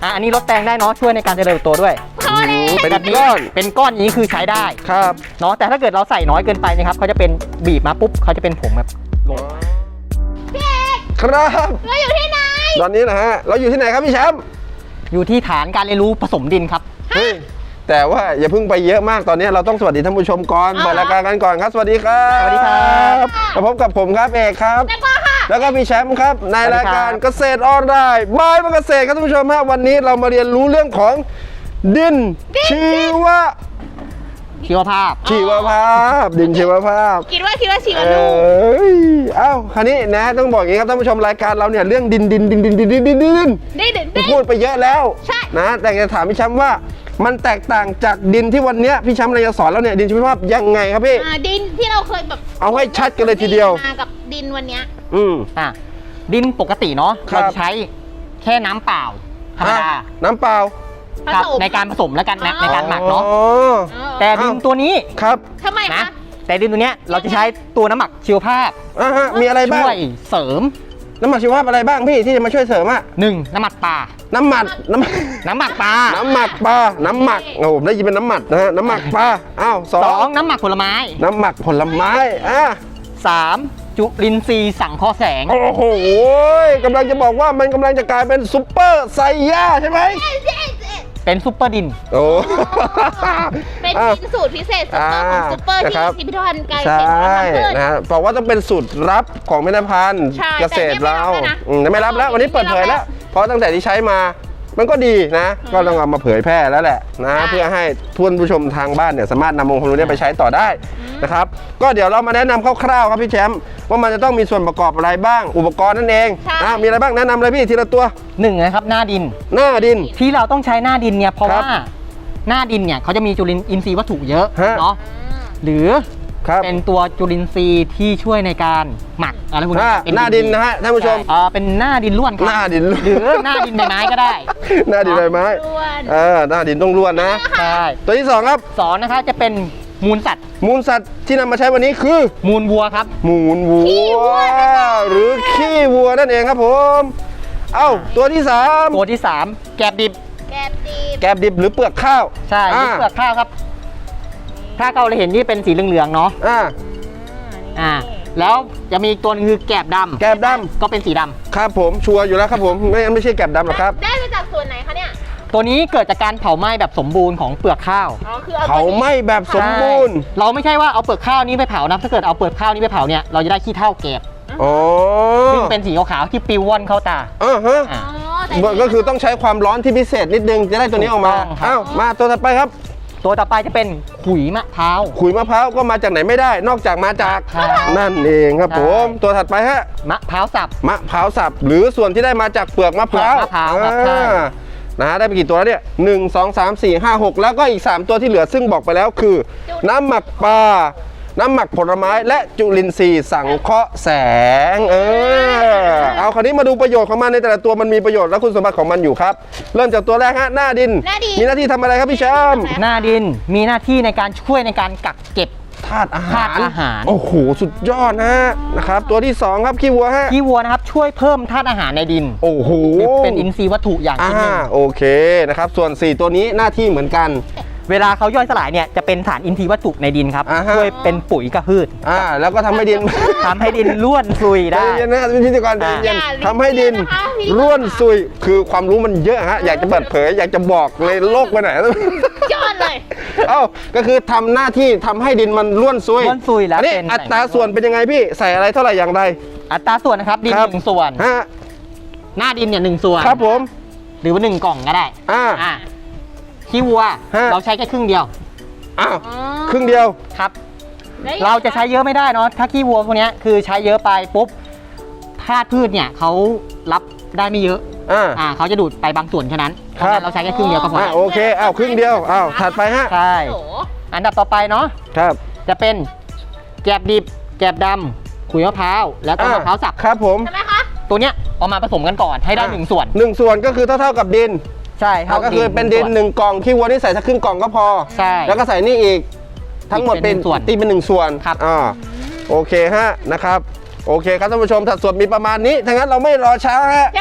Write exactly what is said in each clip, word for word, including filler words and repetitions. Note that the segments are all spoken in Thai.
อ่ะอันนี้ลดแตงได้เนาะช่วยในการเจริญเติบโตด้วยพอแล้วเป็นแบบก้อนเป็นก้อนอย่างนี้คือใช้ได้ครับเนาะแต่ถ้าเกิดเราใส่น้อยเกินไปนะครับเขาจะเป็นบีบมาปุ๊บเขาจะเป็นผงแบบลงครับเราอยู่ที่ไหนตอนนี้นะฮะเราอยู่ที่ไหนครับพี่แชมป์อยู่ที่ฐานการเรียนรู้ผสมดินครับเฮ้ยแต่ว่าอย่าเพิ่งไปเยอะมากตอนนี้เราต้องสวัสดีท่านผู้ชมก่อนเปิดรายการกันก่อนครับสวัสดีครับสวัสดีครับมาพบกับผมครับเอกครับแล้วก็ค่ะแล้วก็พี่แชมป์ครับในรายการเกษตรออนไลน์บายเกษตรครับท่านผู้ชมฮะวันนี้เรามาเรียนรู้เรื่องของดินชีวะชีวภาพชีวภาพ ดินชีวภาพคิดว่าคิดว่าชีวเอนู้ยเอ้าคราวนี้นะต้องบอกอย่างนี้ครับท่านผู้ชมรายการเราเนี่ยเรื่องดินดินดินดินดินดินดินดินได้เด็ดได้พูดไปเยอะแล้วใช่นะแต่จะถามพี่แชมป์ว่ามันแตกต่างจากดินที่วันนี้พี่แชมป์เราจะสอนเราเนี่ยดินชีวภาพยังไงครับพี่อ่าดินที่เราเคยแบบเอาให้ชัดกันเลยทีเดียวมากับดินวันเนี้ยอืมอ่ะดินปกติเนาะครับเราจะใช้แค่น้ำเปล่าธรรมดาอ่ะน้ำเปล่าผครับสมในการผสมแล้วกันนะอ๋อในการหมักเนาะอ๋อเออแต่ดินตัวนี้ครับทำไมนะคะแต่ดินตัวเนี้ยเราจะใช้ตัวน้ำหมักชีวภาพอ่าฮะมีอะไรบ้างช่วยเสริมน้ำหมักชีวภาพอะไรบ้างพี่ที่จะมาช่วยเสริมอะหนึ่งน้ำหมักปลาน้ำหมักน้ำน้ำหมักปลาน้ำหมักปลาน้ำหมักโอ้ผมได้ยินเป็นน้ำหมักนะฮะน้ำหมักปลาอ้าวสอสอง งน้ำหมักผลไม้น้ำหมักผลไม้อ่ะสามจุลินทรีย์สังเคราะห์แสงโอ้โหกำลังจะบอกว่ามันกำลังจะกลายเป็นซุปเปอร์ไซย่าใช่ไหมเป็นซุปเปอร์ดินโอ้เป็นอ่ะดินสูตรพิเศษซุปเปอร์ของซุปเปอร์นะที่ครับพิพิธภัณฑ์ไกลใชเศรษฐ่กิจพืชนะฮะบอกว่าต้องเป็นสูตรลับของพิพิธภัณฑ์ใช่เกษตรเราแต่เนี่ยอืมไม่รับแล้ววันนี้เปิดเผยแล้ว เพราะตั้งแต่ที่ใช้มามันก็ดีนะ ก็ต้องเอามาเผยแพร่แล้วแหละนะใช่เพื่อให้ทุนผู้ชมทางบ้านเนี่ยสามารถนำองค์ความรู้เนี้ไปใช้ต่อได้นะครับก็เดี๋ยวเรามาแนะนำคร่าวๆครับพี่แชมป์ว่ามันจะต้องมีส่วนประกอบอะไรบ้าง อุปกรณ์นั่นเองอ่ะมีอะไรบ้างแนะนำเลยพี่ทีละตัวหนึ่งนะครับหน้าดินหน้าดินที่เราต้องใช้หน้าดินเนี่ยเพราะครับว่าหน้าดินเนี่ยเขาจะมีจุลินทรีย์วัตถุเยอะฮะเนาะหรือครับเป็นตัวจุลินทรีย์ที่ช่วยในการหมักอะไรพวกหนี้น้าเป็หน้าดินนะฮะท่านผู้ชมใเออเป็นหน้าดินล้วนครับหน้าดินล้วนหรือหน้าดินใบไม้ก็ได้หน้าดินใบไม้ล้วนเออหน้าดินต้องล้วนนะใช่ตัวที่สองครับสองนะคะจะเป็นมูลสัตว์มูลสัตว์ที่นำมาใช้วันนี้คือมูลวัวครับมูลวัวหรือขี้วัวนั่นเองครับผม เอ้าตัวที่สามตัวที่สามแกบดิบแกบดีบแกบดิบหรือเปลือกข้าวใช่อ่าเปลือกข้าวครับ ถ้าเราเห็นนี่เป็นสีเหลืองๆเนาะอ่าอ่าแล้วจะมีอีกตัวหนึงคือแกบดำแกบดก็เป็นสีดำครับผมชัวร์อยู่แล้วครับผมไม่งั้นไม่ใช่แกบดำหรอกครับได้มาจากส่วนไหนคะเนี่ยตัวนี้เกิดจากการเผาไหม้แบบสมบูรณ์ของเปลือกข้าวอ๋อคือเอาเผาไหม้แบบสมบูรณ์ใช่เราไม่ใช่ว่าเอาเปลือกข้าวนี้ไปเผานะถ้าเกิดเอาเปลือกข้าวนี้ไปเผาเนี่ยเราจะได้ขี้เถ้าแกบอ๋อซึ่งเป็นสีขาวๆที่ปลิวว่อนเข้าตาอ่าฮะอ่าอ๋อแต่ก็คือต้องใช้ความร้อนที่พิเศษนิดนึงจะได้ตัวนี้ออกมาถูกต้องครับอ้าวมาตัวถัดไปครับตัวต่อไปจะเป็นขุยมะพร้าวขุยมะพร้าวก็มาจากไหนไม่ได้ นอกจากมาจากใช่นั่นเองครับผมใช่ตัวถัดไปฮะมะพร้าวสับมะพร้าวสับหรือส่วนที่ได้มาจากเปลือกมะพร้าวเปลือกมะพร้าวครับใช่อ่านะฮะได้ไปกี่ตัวแล้วเนี่ยหนึ่งสองสามสี่ห้าหกแล้วก็อีกสามตัวที่เหลือซึ่งบอกไปแล้วคือ น้ำหมักปลาน้ำหมักผลไม้และจุลินทรีย์สังเคราะห์แสงเออเอาคราวนี้มาดูประโยชน์ของมันในแต่ละตัวมันมีประโยชน์และคุณสมบัติของมันอยู่ครับ เริ่มจากตัวแรกฮะหน้าดินหน้าดินมีหน้าที่ทำอะไรครับพี่แชมป์หน้าดินมีหน้าที่ในการช่วยในการกักเก็บธาตุอาหารธาตุอาหารโอ้โหสุดยอดนะฮะนะครับตัวที่สองครับขี้วัวฮะขี้วัวนะครับช่วยเพิ่มธาตุอาหารในดินโอ้โหเป็นอินทรีย์วัตถุอย่างอ่าชิ้นหนึ่งโอเคนะครับส่วนสี่ตัวนี้หน้าที่เหมือนกันเวลาเขาย่อยสลายเนี่ยจะเป็นสารอินทรีย์วัตถุในดินครับอ่าฮะช่วยเป็นปุ๋ยกับพืชอ่าแล้วก็ทำให้ดินทำให้ดินร่วนซุยใจได้เย็นนะเป็นพิธีกรใจอ่าเย็นอย่าทำให้ดินนะคะพี่ร่วนซุยคือความรู้มันเยอะฮะอยากจะเปิดเผย อยากจะบอกในโลกไปไหนยอดเลยเอ้าก็คือทำหน้าที่ทำให้ดินมันร่วนซุยร่วนซุยแล้วอันนี้เป็นอัตราส่วนเป็นยังไงพี่ใส่อะไรเท่าไหร่อย่างไรอัตราส่วนนะครับดินครับหนึ่งส่วนฮะหน้าดินเนี่ยหนึ่งส่วนครับผมหรือว่าหนึ่งกล่องก็ได้อ่าอ่าขี้วัวฮะเราใช้แค่ครึ่งเดียวอ้าวอ๋อครึ่งเดียวครับแล้วเราจะใช้เยอะไม่ได้เนาะถ้าขี้วัวพวกเนี้ยคือใช้เยอะไปปุ๊บธาตุพืชเนี่ยเขารับได้ไม่เยอะอ่าอ่าเขาจะดูดไปบางส่วนแค่นั้นเพครัราะบฉะนั้นเราใช้แค่ครึ่งเดียวก็พออ่าโอเคอ้าวครึ่งเดียวอ้าวถัดไปฮะใช่โอ้โหอันดับต่อไปเนาะครับจะเป็นแกบดิบแกบดำขุยมะพร้าวแล้วก็อ่มะพร้าวสับครับผมทำไมคะตัวเนี้ยเอามาผสมกันก่อนให้ได้อ่ะหนึ่งส่วนหนึ่งส่วนก็คือเท่าเท่าๆกับดินใช่เอาก็คือเป็นดินหนึ่งกล่องขี้วัวนี่ใส่สักครึ่งกล่องก็พอใช่แล้วก็ใส่นี่อีกทั้งหมดเป็นอีกเป็นหนึ่งส่วนตีเป็นหนึ่งส่วนครับอ่าโอเคฮะนะครับโอเคครับท่านผู้ชมสัดส่วนมีประมาณนี้ถ้างั้นเราไม่รอช้าฮะยังไงคะ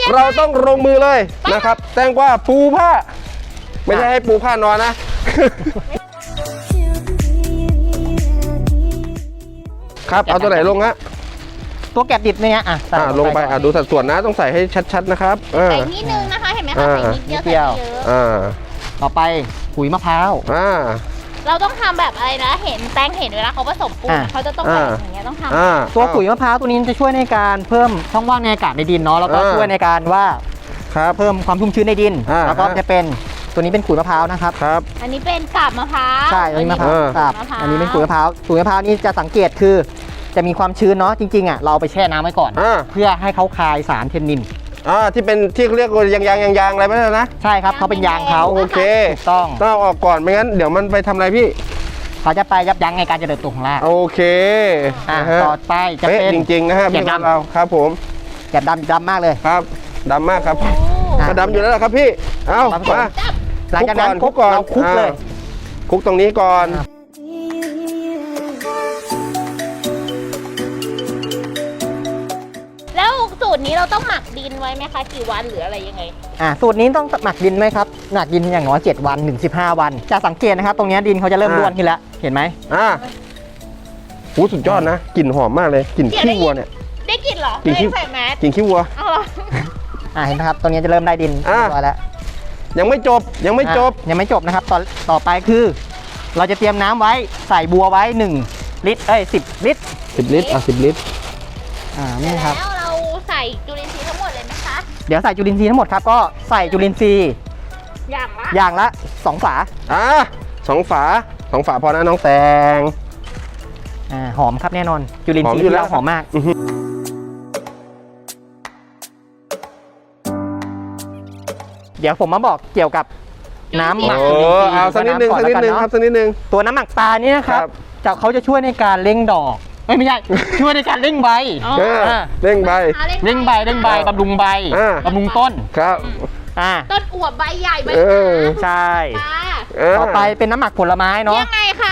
ยังไงเราต้องลงมือเลยนะครับ แตงกวาปูผ้า ไม่ใช่ให้ปูผ้านอนนะ ครับเอาตัวไหนลงฮะตัวแกบดิบเนี่ยอ่ะใส่อ่าลงไปก่อนอ่าดูสัดส่วนนะต้องใส่ให้ชัดๆนะครับอ่าใส่นิดนึงนะคะ เห็นไหมคะอ่าใส่นิดเดียวนิดเดีใส่ยวเยอะอ่าต่อไปขุยมะพร้าวอ่าเราต้องทำแบบอะไรนะ เห็นแป้งเห็นเวลาเขาผสมปูนอ่าเขาจะต้องอ่าแบบอย่างเงี้ยต้องทำอ่าตัวขุยมะพร้าวตัวนี้จะช่วยในการเพิ่มช่องว่างในอากาศในดินเนาะแล้วก็อ่าช่วยในการว่าครับเพิ่มความชุ่มชื้นในดินอ่าแล้วก็จะเป็นตัวนี้เป็นขุยมะพร้าวนะครับครับอันนี้เป็นกาบมะพร้าวใช่อันนี้มะพร้าวอ่าครับมะพร้าวอันนี้เป็นขุยมะพร้าวขุยมะพร้าวนี่จะสังเกตคือ จะมีความชื้นเนาะจริงๆอ่ะเราเอาไปแช่น้ำไว้ก่อนอ่าเพื่อให้เขาคายสารเทนนินอ่าที่เป็นที่เขาเรียกว่ายางยางยางยางอะไรไม่ใช่นะใช่ครับเขาเป็นยางเขาโอเคถูกต้องต้องเอาออกก่อนไม่งั้นเดี๋ยวมันไปทำอะไรพี่เขาจะไปยับยั้งในการเจริญเติบโตของรากโอเคอ่านะฮะต่อไปจะเป๊ะเป็นจริงๆนะฮะเก็พี่บดำเราครับผมแกบดำดำมากเลยครับดำมากครับโอ้อ่ะก็ดำอยู่แล้วล่ะครับพี่เอ้าครับผมมาจับหลังจากนั้นคลุกก่อนเราคลุกเลยอ่าคลุกตรงนี้ก่อนครับแล้วสูตรนี้เราต้องหมักดินไว้ไหมคะ กี่วันหรืออะไรยังไงอ่าสูตรนี้ต้องหมักดินไหมครับหมักดินอย่างน้อยเจ็ดวันถึงสิบห้าวัน จะสังเกตนะครับ ตรงเนี้ยดินเขาจะเริ่มอ่าร่วนขึ้นแล้วเห็นไหมอ่าหูสุดยอดนะกลิ่นหอมมากเลยกลิ่นเดี๋ยวได้ขี้วัวเนี่ยได้กลินเหรอกินขี้ไม่ได้ใส่แมสกลิ่นขี้วัวเอาเหรออ่าเห็นไหมครับตรงเนี้ยจะเริ่มได้ดินอ่าเรียบร้อยแล้วยังไม่จบยังไม่จบอ่ะยังไม่จบนะครับต่อต่อไปคือ เราจะเตรียมน้ำไว้ใส่บัวไว้หนึ่งลิตรเอ้ยสิบลิตรสิบลิตรอ่ะสิบลิตรอ่าเสร็นี่จครับแล้วเราใส่จุลินทรีย์ทั้งหมดเลยไหมคะเดี๋ยวใส่จุลินทรีย์ทั้งหมดครับก็ใส่จุลินทรีย์อย่างละอย่างละสองฝาอ่ะสองฝาสองฝาพอนะน้องแตงอ่าหอมครับแน่นอนจุลินทรีย์หอมอยู่ที่แล้วเราหอมมากอื้อหือเดี๋ยวผมมาบอกเกี่ยวกับน้ำหมักโอ้จุลินทรีย์เอาสักนิดนึงก่อสักนิดนึงแล้วครับสักนิดนึงตัวน้ำหมักปลานี่นะครับครับจะเขาจะช่วยในการเร่งดอกเอ้ยไม่ใช่ ช่วยในการเร่งใบอ๋อเอออ่าเร่งใบหาเร่งใบเร่งใบครับบำรุงใบอ่าบำรุงต้นครับอ่าต้นอวบใบใหญ่ใบเออหนาใช่ค่ะเออต่อไปเป็นน้ำหมักผลไม้เนาะยังไงคะ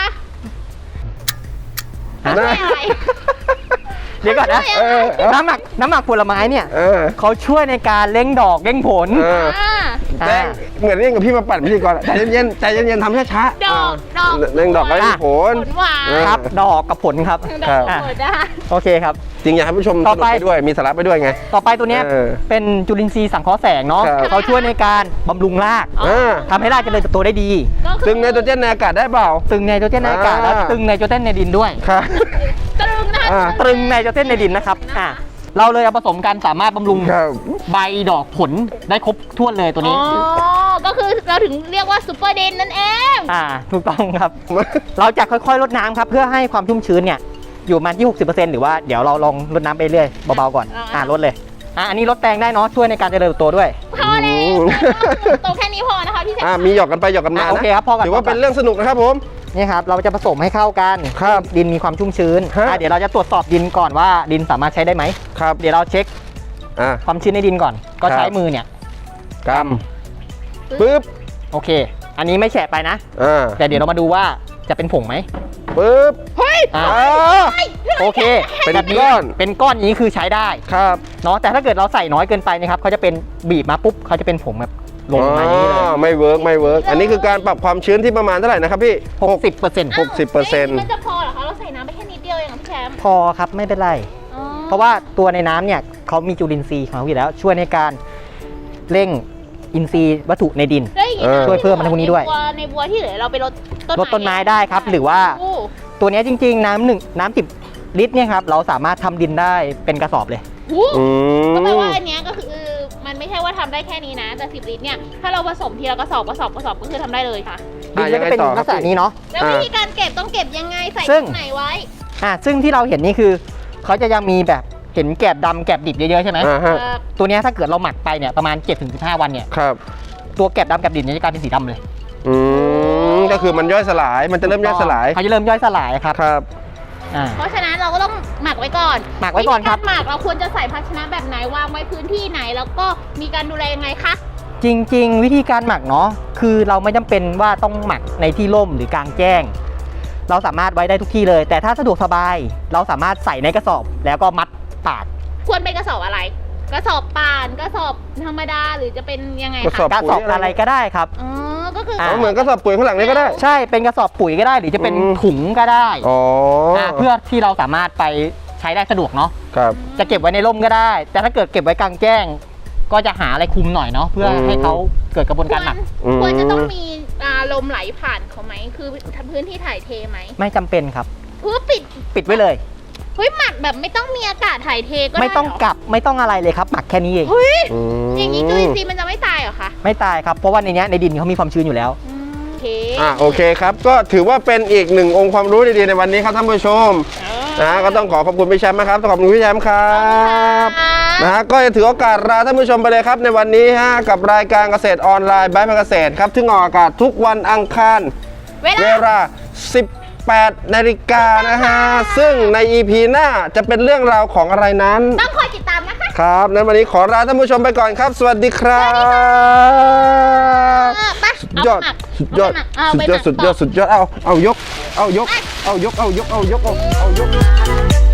ฮะนะช่วยอะไรเดี๋ยวก่อนนะเออเออน้ำหมักน้ำหมักผลไม้เนี่ยเออเขาช่วยในการเร่งดอกเร่งผลเอออ่าแตงเหมือนเร่งกับพี่มาปั่นพิธีกรอะใจเย็นๆใจเย็นๆทำช้าๆดอกดอกเร่งดอกไร้ผลผลหวานเออครับ ดอกกับผลครับดครัอบ กผลได้โอเคครับจริงอยากให้ผู้ชมสต่อนุกไปไปด้วยมีสาระไปด้วยไงต่อไปตัวเนี้ยเออเป็นจุลินทรีย์สังเคราะห์แสงเนาะครับเขาช่วยในการบำรุงรากอ๋ออ่าทำให้รากเจริญเติบโตได้ดีก็คือตึงไนโตรเจนในอากาศได้เปล่าตึงไนโตรเจนในอากาศอ่าและตึงไนโตรเจนในดินด้วยครับตรึงนะคะอ่าตรึงไนโตรเจนในดินนะครับอ่าเราเลยเอาผสมกันสามารถบำรุงครับใบดอกผลได้ครบถ้วนเลยตัวนี้อ๋อ ก็คือเราถึงเรียกว่าซูเปอร์เดนนั่นเองอ่าถูกต้องครับ เราจะค่อยๆลดน้ำครับเพื่อให้ความชุ่มชื้นเนี่ยอยู่ประมาณที่ หกสิบเปอร์เซ็นต์ หรือว่าเดี๋ยวเราลองลดน้ำไปเรื่อยเบาๆก่อนอ่าลดเลยอ่าอันนี้ลดแตงได้เนาะช่วยในการเจริญเติบโตด้วยพอแล้วโตแค่นี้พอนะคะพี่แซอ่ามีหยอกกันไปหยอกกันมาอ่ะโอนะเคครับพอกันถือว่าเป็นเรื่องสนุกนะครับผมนี่ครับเราจะผสมให้เข้ากันครับดินมีความชุ่มชื้นฮะอ่ะเดี๋ยวเราจะตรวจสอบดินก่อนว่าดินสามารถใช้ได้ไหมครับเดี๋ยวเราเช็คอ่ะความชื้นในดินก่อน ก็ครับใช้มือเนี่ยกำปึ๊บโอเค อันนี้ไม่แฉะไปนะอ่าแต่เดี๋ยวเรามาดูว่าจะเป็นผงไหมปึ๊บเฮ้ยอ่าอ่าโอเคเป็นแบบนี้ก้อนเป็นก้อนอย่างนี้คือใช้ได้ครับเนาะแต่ถ้าเกิดเราใส่น้อยเกินไปนะครับเขาจะเป็นบีบมาปุ๊บเขาจะเป็นผงแบบลงมาอย่างนี้เลยอ๋อไม่เวิร์กไม่เวิร์กอันนี้คือการปรับความชื้นที่ประมาณเท่าไหร่นะครับพี่หกสิบเปอร์เซ็นต์หกสิบเปอร์เซ็นต์มันจะพอเหรอคะ เราใส่น้ำไปแค่นิดเดียวเองเหรอพี่แชมป์พอครับไม่เป็นไรอ๋อเพราะว่าตัวในน้ำเนี่ยเขามีจุลินทรีย์ของเขาอยู่แล้ว ช่วยในการเร่งอินทรีย์วัตถุในดินแล้วอย่างงี้เออช่วยเพิ่มมันพวกนี้ด้วยในบัวในบัวที่เหลือเราไปรดต้นรดต้นไม้ได้ครับหรือว่าโอ้ตัวเนี้ยจริงๆ น้ำหนึ่งน้ำสิบลิตรเนี่ยครับเราสามารถทำดินได้เป็นกระสอบเลยโหอืก็แปลมว่าอันเนี้ยก็คือมันไม่ใช่ว่าทำได้แค่นี้นะ แต่สิบลิตรเนี่ย ถ้าเราผสมทีละกระสอบกระสอบกระสอบก็คือทำได้เลยค่ะดินก็จะเป็นลักษณะนี้เนาะแล้ววิธีการเก็บต้องเก็บยังไงใส่ซึ่งตรงไหนไว้อ่าซึ่งที่เราเห็นนี่คือเขาจะยังมีแบบเห็นแกบดำแกบดิบเยอะๆใช่ไหมอ่าฮะเอ่อตัวเนี้ยถ้าเกิดเราหมักไปเนี่ยประมาณ เจ็ดถึงสิบห้า วันเนี่ยครับตัวแกบดำแกบดิบเนี่ยจะกลายเป็นสีดำเลยอืมก็คือมันย่อยสลายมันจะเริ่มย่อยสลายเขาจะเริ่มย่อยสลายครับครับอ่าเพราะฉะนั้นเราก็ต้องหมักไว้ก่อนหมักไว้ก่อนครับวิธีาหมักเราควรจะใส่ภาชนะแบบไหนวางไว้พื้นที่ไหน แล้วก็มีการดูแลยังไงคะจริงๆ วิธีการหมักเนาะคือเราไม่จำเป็นว่าต้องหมักในที่ร่มหรือกลางแจ้ง เราสามารถไว้ได้ทุกที่เลย แต่ถ้าสะดวกสบาย เราสามารถใส่ในกระสอบแล้วก็มัดปากควรเป็นกระสอบอะไรกระสอบป่านกระสอบธรรมดาหรือจะเป็นยังไงกระสอคะบกระสอบอะไรก็ได้ครับอ๋อก็คืออ่าอ๋อเหมือนกระสอบปุ๋ยข้างหลังนี้ก็ได้ใช่เป็นกระสอบปุ๋ยก็ได้หรือจะเป็นอืมถุงก็ได้อ๋ออ่าเพื่อที่เราสามารถไปใช้ได้สะดวกเนาะครับจะเก็บไว้ในร่มก็ได้ แต่ถ้าเกิดเก็บไว้กลางแจ้ง ก็จะหาอะไรคุมหน่อยเนาะเพื่อให้เขาเกิดกระบวนควการรหมักอืมควรจะต้องมีอ่าลมไหลผ่านเขาไหมคือพื้นที่ถ่ายเทไหมไม่จำเป็นครับเพื่อปิดปิดไว้เลยเฮ้ยหมักแบบไม่ต้องมีอากาศถ่ายเทก็ได้ไม่ต้องเหรกลับไม่ต้องอะไรเลยครับ หมักแค่นี้เองเฮ้ยอืมอย่างนี้จุลินทรีย์มันจะไม่ตายเหรอคะไม่ตายครับเพราะว่าในเนี้ยในดินเขามีความชื้นอยู่แล้วอืมโอเคอ่ะโอเคครับก็ถือว่าเป็นอีกหนึ่งองค์ความรู้ดีๆในวันนี้ครับท่านผู้ชมนะก็ต้องขอขอบคุณพี่แชมป์นะครับขอบคุณพี่แชมป์ครับนะฮะก็จะถือโอกาสลาท่านผู้ชมไปเลยครับในวันนี้ฮะกับรายการเกษตรออนไลน์บายภาคเกษตรครับซึ่งออกอากาศทุกวันอังคารเวเวลาลา สิบแปด นาฬิกานะฮะซึ่งใน อี พี หน้าจะเป็นเรื่องราวของอะไรนั้นต้องคอยติดตามนะคะครับนั้นวันนี้ขอลาท่านผู้ชมไปก่อนครับ สวัสดีครับเออไปสุดเอายอดไปหมักสุดยอดเอาสุไปดหยอมัดกสุดยอดต่สุดยอดเอาเอายกเอายกเอายกเอายกเอายกเอาเอายก